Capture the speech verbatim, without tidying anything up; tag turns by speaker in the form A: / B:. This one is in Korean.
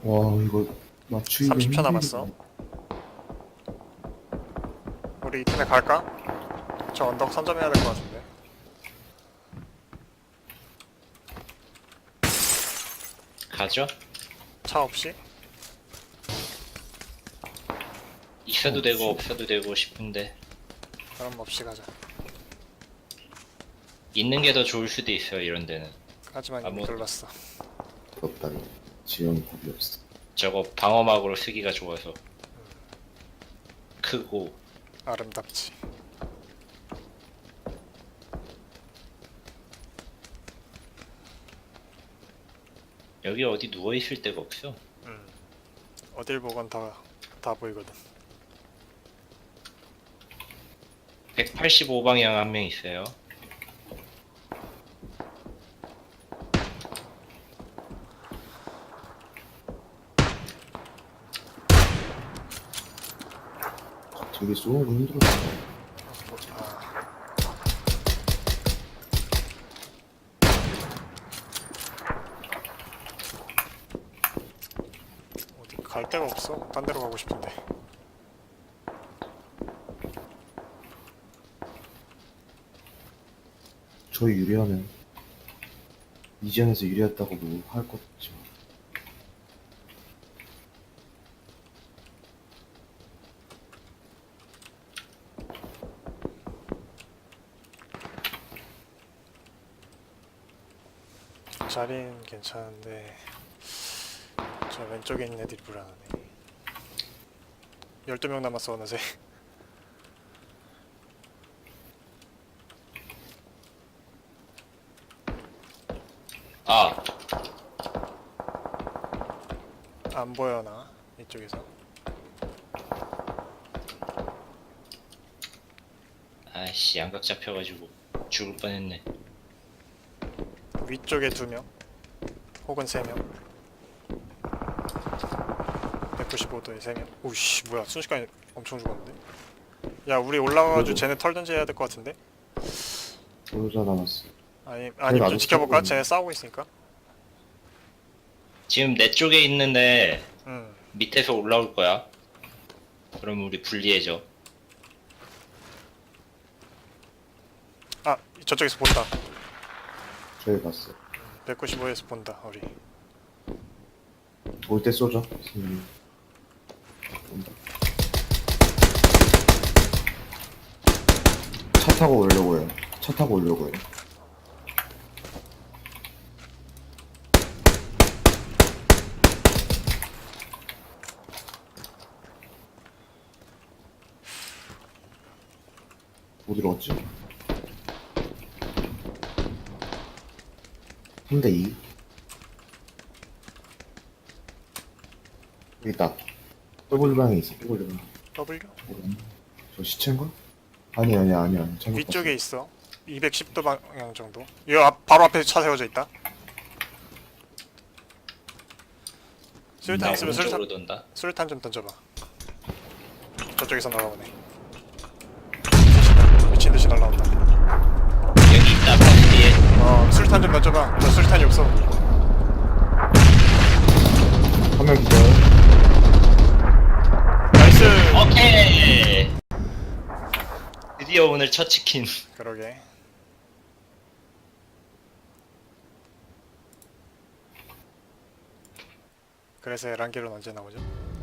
A: 와 이거 맞추기가
B: 삼십 초
A: 힘들겠네.
B: 남았어. 우리 이 팀에 갈까? 저 언덕 선점해야 될 것 같은데.
C: 가죠?
B: 차 없이?
C: 있어도 되고 없어도 되고 싶은데
B: 그럼 없이 가자.
C: 있는 게 더 좋을 수도 있어요 이런 데는.
B: 하지만 이미
C: 아무것도.
B: 글렀어.
A: 부럽다. 지형이 답이 없어.
C: 저거 방어막으로 쓰기가 좋아서 크고.
B: 아름답지.
C: 여기 어디 누워있을 데가 없어.
B: 음. 어딜 보건 다, 다 보이거든.
C: 백팔십오 방향 한 명 있어요.
A: 되게 쏘는 거 힘들었어.
B: 아, 어디 갈 데가 없어. 딴 데로 가고 싶은데.
A: 저희 유리하면 이 지형에서 유리했다고 뭐 할 것 없지만
B: 자리는 괜찮은데 저 왼쪽에 있는 애들이 불안하네. 열두 명 남았어 어느새.
C: 아
B: 안 보여나 이쪽에서.
C: 아이씨 양각 잡혀가지고 죽을 뻔했네.
B: 위쪽에 두 명 혹은 세 명. 백구십오 도에 세 명. 오씨 뭐야 순식간에 엄청 죽었는데. 야 우리 올라가가지고
A: 그래도-
B: 쟤네 털든지 해야 될 것 같은데.
A: 보호자 남았어.
B: 아니 아니 좀
A: 아직
B: 지켜볼까?
A: 싸우고
B: 쟤네 싸우고 있으니까.
C: 지금 내 쪽에 있는데
B: 응.
C: 밑에서 올라올 거야. 그럼 우리 불리해져.
B: 아 저쪽에서 본다.
A: 저희 봤어.
B: 백구십오에서 본다 우리.
A: 올 때 쏘죠. 선생님. 온다. 차 타고 오려고 해요. 차 타고 오려고 해요. 어디로 갔지? 삼 대 이. 여기 있다. 더블 방에 있어. 더블 방.
B: W?
A: 저 시체인가? 아니 아니 아니 아니. 잘못
B: 위쪽에 있어. 이백십 도 방향 정도. 이 앞, 바로 앞에 차 세워져 있다. 수류탄
C: 나
B: 있으면 수류탄
C: 오른쪽으로 돈다.
B: 수류탄 좀 던져봐. 저쪽에서 날아오네. 미친 듯이 날아온다.
C: 여기 있다 버스 뒤에.
B: 어 수류탄 좀 던져봐. 저 수류탄이 없어.
A: 화면 기절.
B: 나이스.
C: 오케이. 드디어 오늘 첫 치킨.
B: 그러게. 그래서 에란길은 언제 나오죠?